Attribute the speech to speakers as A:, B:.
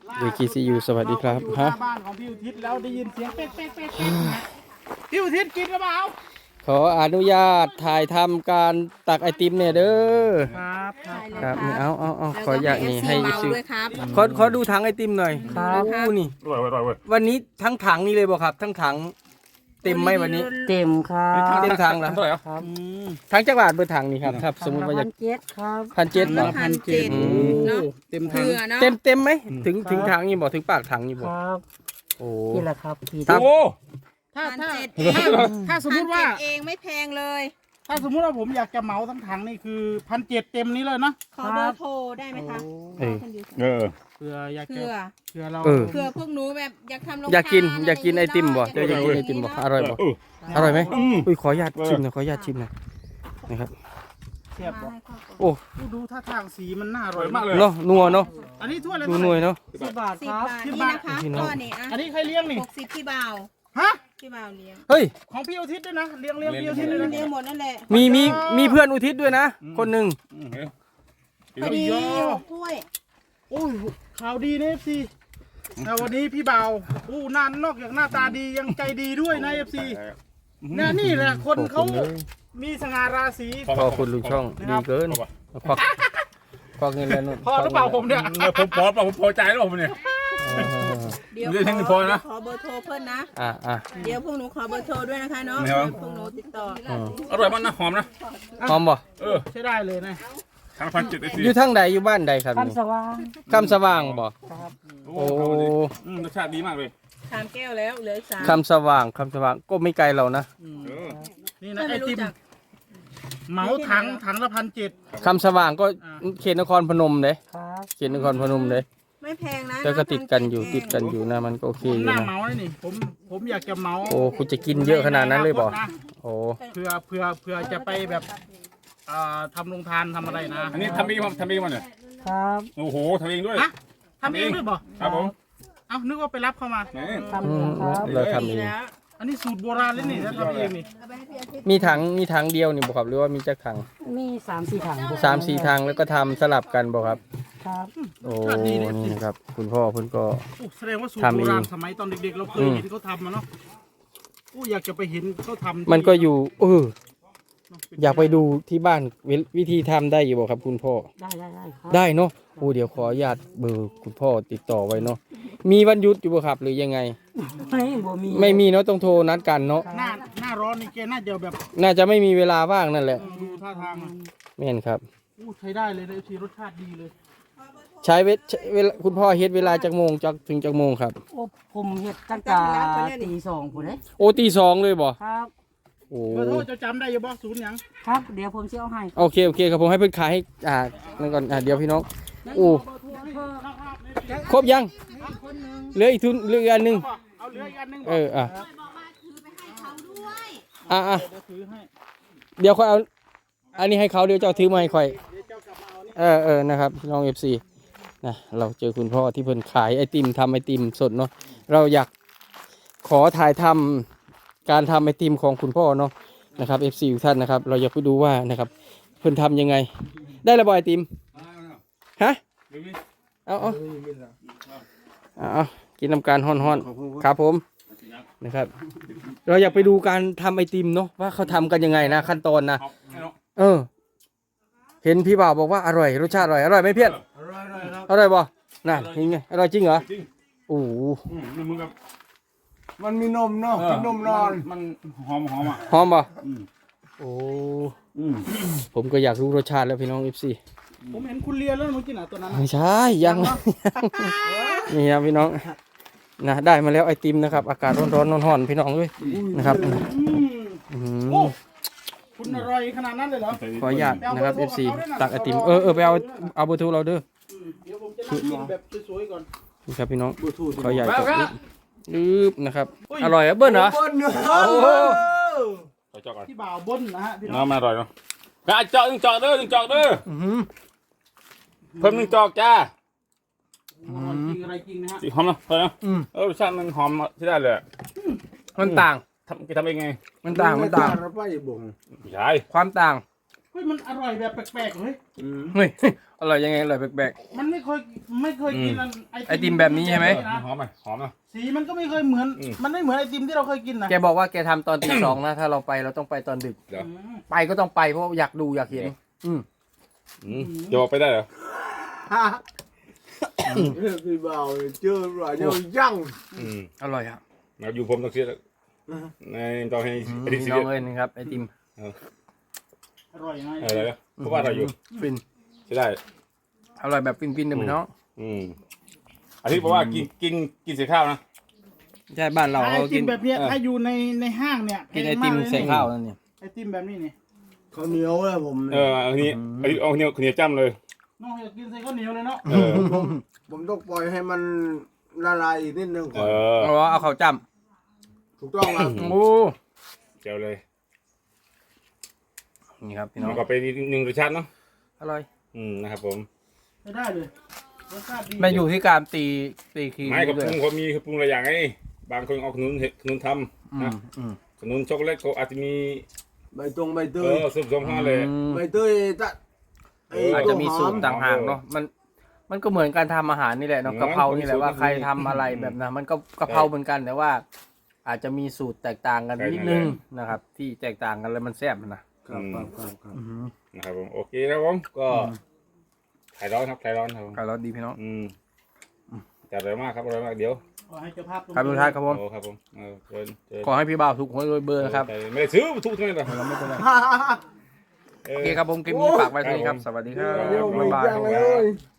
A: DKCU สวัสดีครับ
B: ฮะบ้านของพี่อุทิศแล้วได้ยินเสียงเป๊กเป๊กเป๊กพี่อุทิศกินหรือเปล่า
A: ขออนุญาตถ่ายทำการตักไอติมเนี่ยเด้อครับเอาขออยากนี่ให้ซื้อขอดูถังไอติมหน่อยครับนี่วันนี้ทั้งถังนี่เลยบ่ครับทั้งถังเต็มไหมวันนี้
C: เต็มครับ
A: เต็มถังแล้วครับถังจักรบาทเบอร์ถังนี่ครับครับสมมติว่าจะ
C: 1,700ครับ
A: 1,700บาท
B: 1,700เนาะเต็มถัง
A: เต็มไหมถึงถังนี่บ่ถึงปากถังนี่บ่
C: ครับโอ้นี่แหละครับพี่
A: ครับ
B: ถ้าสมมติว่า
D: เองไม่แพงเลย
B: ถ้าสมมติว่าผมอยากจะเหมาทั้งถังนี่คือ1,700เต็มนี้เลยเนาะ
D: ขอเบอร์โทรได้ไหมคะ
B: เผื่ออยากจะเผื่อเรา
D: เผื่อพวกหนูแบบอยากทำโรงทาน
A: อยากกินไอติมบ่อยากกินไอติมบ่อร่อยบ่อร่อยไหมอุ้ยขออนุญาตชิมหน่อยนะครับ
B: เทียบบ่
A: โอ้
B: ดูท่าทางสีมันน่าอร่อยมากเลย
A: เนาะนัวเนาะ
B: อันนี้ถ้วยอะไร
A: ดูหน่วยเนาะ
C: 10 บาทครับ
D: 10 บาทนี่นะคะก้อนนี้
B: อันนี้ใครเลี้ยงนี่
D: 60พี่บ่าว
B: ฮะ
D: พี่บ่าวเลี้ยง
A: เฮ้ย
B: ของพี่อุทิศด้วยนะเลี้ยงพี่อุทิศด้วยนะ
D: เลี้ยงหมดนั่นแหละ
A: มีเพื่อนอุทิศด้วยนะคนหนึ่ง
D: พอดีถ้วย
B: โอ้ยข่าวดีนะFCแต่วันนี้พี่บ่าวอู้นานนอกจากหน้าตาดียังใจดีด้วยนะ FC นี่แหละคนเขามีสง่าราศี
A: พอคุณลุงช่องดีเกินควักเงินแล้วนู่น
B: พอหรือเปล่าผมเนี่ย
E: ผมพอใจแล้วผมเนี่ย
D: เดี๋ยวขอเบอร์โทรเพิ่นนะเดี๋ยวพวกหนูขอเบอร์โทรด้วยนะคะเนาะพวกหนูติดต่อ
E: อร่อยมากนะหอมนะ
A: หอมบ่
B: ใช้ได้เลยนะ
E: ทาง1,700
A: อยู่ทางใดอยู่บ้านใดครับ
C: คำสว่าง
A: บ่โอ้
E: รสชาติดีมากเลย
D: 3 แก้วแล้วเหลือ3
A: คำสว่างก็ไม่ไกลเรานะ
B: นี่นะไอติมเหมาถังละ1,700
A: คำสว่างก็เขตนครพนมเลยเขตนครพนมเลย
D: ไม่แพงนะ
A: ก็ติดกันอยู่นะมันก็โอเคอยู่นะ
B: เหมาเลยนี่ผมอยากจะเหมา
A: โอ้คุณจะกินเยอะขนาดนั้นเลยบ่โอ้
B: เพื่อจะไปแบบทำโรงทานทำอะไรนะ
E: อันนี้ทำเองมันเนี่ย
C: ครับ
E: โอ้โหทำเองด้วย
B: ทำเองด้วยบ่
E: ครับผม
B: เอ้านึกว่าไปรับเข้ามา
C: ทำเองครับ
A: เราทำเอง
B: อันนี้สูตรโบราณเลยนี่ถ้าทำเองนี่
A: มีถังเดียวนี่บ่ครับหรือว่ามีจักถัง
C: มี3-4 ถัง
A: 3-4ถังแล้วก็ทำสลับกันบ่ครับ
C: ครับ
A: โอ้นี่นะครับคุณพ่อเพิ่นก็
B: แสดงว่าสูตรโบราณสมัยตอนเด็กๆเราเคยเห็นเขาทำมาเนาะอยากจะไปเห็นเขาทำ
A: มันก็อยู่อยากไปดูที่บ้านวิธีทำได้อยู่บ่ครับคุณพ่อได้เนาะโอ้เดี๋ยวขออนุญาตเบอร์คุณพ่อติดต่อไว้เนาะมีวันหยุดอยู่บ่ครับหรือยังไงไม่มีเนาะต้องโทรนัดกันเนาะ
B: หน้าร้อนนี่แกน่าจะแบบ
A: น่าจะไม่มีเวลาว่างนั่นแหละ
B: ดูท่าทาง
A: แม่นครับ
B: ใช้ได้เลยนะทีรสชาติดีเลย
A: ใช้เวลาคุณพ่อเฮ็ดเวลาจากโมงถึงจากโมงครับ
C: ผมเฮ็ดตั้งแต่ตี 2พุ่นเด้
A: โอ้ตี 2เลยบ่
C: ครับ
A: โอ้
B: จะจำได้อยู่บ่ศูนย์หยัง
C: ครับเดี๋ยวผมจะเอาให้
A: โอเคครับผมให้เพิ่นขายให้นั่นก่อนเดี๋ยวพี่น้องโอ้ครบยังเหลืออีกอันนึง
B: เอาเหลืออีกอันนึง
A: เดี๋ยวค่อยเอาอันนี้ให้เขาเดี๋ยวเจ้าถือมาให้ค่อยนะครับพี่น้อง FC นะเราเจอคุณพ่อที่เพิ่นขายไอติมทำไอติมสดเนาะเราอยากขอถ่ายทำการทำไอติมของคุณพ่อเนาะนะครับ FC ทุกท่านนะครับเราอยากไปดูว่านะครับเพิ่นทำยังไงได้ระบายไอติมฮะเอากินน้ำการฮ้อนๆครับผมนะครับเราอยากไปดูการทำไอติมเนาะว่าเขาทำกันยังไงนะขั้นตอนนะเห็นพี่บ่าวบอกว่าอร่อยรสชาติอร่อยไหมเพี้ยนอร่อยบ่น่ะยังไงอร่อยจริงเหรอโอ้
B: มันมีนมเนาะกินนมนอน
E: มันหอมอ่ะ
A: หอมบ่โอ้ผมก็อยากรู้รสชาติแล้วพี่น้อง FC
B: ผมเห็นคุณเลียแล้วเมื่อกี้น่ะตัวนั้น
A: ไม่ใช่ยังนี่ครับพี่น้องนะได้มาแล้วไอติมนะครับอากาศร้อนพี่น้องด้วยนะครับ
B: คุณอร่อยขนาดนั้นเลยเหรอ
A: ขออนุญาตนะครับ FC ตักไอติมไปเอาเบอร์โทรเราเด้อ
B: เดี๋ยวผมจะกินแบบสวยๆก่อน
A: นี่ครับพี่น้องขออนุญาตนะครับอร่อยเบิ้ลเหรอโอ้โห
B: ที่บ่าวบนนะฮะพี่
E: น้องมาอร่อยเนาะเจาะ1 จอกเด้อ1 จอกเด้อเพิ่ม1 จอกจ้า
B: จริงอะไรจริงนะฮะ
E: หอมเนาะรสชาติมันหอมใช่ได้เลย
A: มันต่าง
E: ทำเองไง
A: มันต่าง
E: ใช่
A: ความต่าง
B: ฮ้ยมันอร่อยแบบแปลกๆเฮ้ย
A: เฮ้ยอร่อยยังไงอร่อยแปลก
B: มันไม่เคยกิน
A: ไอติมแบบนี้ใช่ไหม
E: หอมไหมหอมนะ
B: สีมันก็ไม่เคยเหมือน มันไม่เหมือนไอติมที่เราเคยกินนะ
A: ๆแกบอกว่าแกทำตอนตี 2นะถ้าเราไปเราต้องไปตอนดึก
E: เดี๋ยว
A: ไปก็ต้องไปเพราะอยากดูอยากเห็น
E: จะบอกไปได้เหรอ
F: พี่บ่าวเจอหลายอย่างยั่ง
A: อร่อยครับ
E: มาอยู่ผมต้องเสียในต้องให้ไอ้ดิ
A: พี่
E: สิ
A: น้องเอ้ยนะครับไอติม
B: อร่อยไง
E: อะไรนะเพราะว่าเราอยู่
A: ฟิน
E: ใช่ได้
A: อร่อยแบบฟินๆนะพี่น้อง
E: อันนี้บอกว่ากินเสียข้าวนะ
A: ใช่บ้านเรา
B: ไอ
A: เรา
B: ติ
A: กิ
B: ม
A: น
B: แบบเนี้ยถ้าอยู่ในห้างเนี่ย
A: กินไอติมใส่ข้าวนั่นเนี่ย
B: ไอติมแบบนี้นี่
F: ข้าวเหนียวเลยผม
E: อันนี้เอาเหนียวจ้ำเลย
B: น้องอยากกินใส่ข้าวเหนียวเลยเนาะ
F: ผมต้องปล่อยให้มันละลายอีกนิดนึงก่อน
A: เอาเอาข้าวจ้
F: ถูกต้องครับ
A: ำโอ้
E: เจียวเลย
A: นี่ครับพี่น้อง
E: มันก็เป็นหนึ่งรสชาติเนาะ
A: อร่อย
E: นะครับผม
B: ไม่ได้เลยรสชาติดี
A: มันอยู่ที่การตีคีย์
E: ไม่กับ
A: ด้ว
E: ป
A: ย
E: รุงเขามีคือปรุงหลายอย่างไงบางคนเอาขนุนทำนะ ขนุนช็อกโกแลตเขาอาจจะมี
F: ใบตองใบเตย
E: ส้มๆห้าเลย
F: ใบเตยจะไอ้
A: อาจ
F: ตั
A: จะ
F: ว
A: มี
F: ห
A: สู
F: อ
A: ต
F: ม
A: รต่างหากเนาะมันก็เหมือนการทำอาหารนี่แหละเนาะกะเพรานี่แหละว่าใครทำอะไรแบบนั้นมันก็กะเพราเหมือนกันแต่ว่า อาจจะมีสูตรแตกต่างกันนิดนึงนะครับ ที่แตกต่างกันแล้วมันแซ่บนะครับ
E: นะครับผมโอเคครับผมก็ถ่ายร้อนครับถ่ายร้อนครับผม
A: อร่อยดีพี่น้อง
E: จัดเลยมากครับอร่อยมากเดี๋ยว
B: ขอให้เจ้าภาพ
A: ครับทุกท่านครับผม
E: โอ้ครับผมเชิญ
A: ขอให้พี่บ่าวถูกหวยรวยเบอร์นะครับ
E: ไม่ได้ซื้อทุกที่เลย
A: เราไม่เป็นไรโอเคครับผมคลิปนี้ฝากไว้เท่านี้ครับสวัสดีครับ
F: เดี๋ยวไม่
A: บ๊ายบาย
F: ยั่งเลย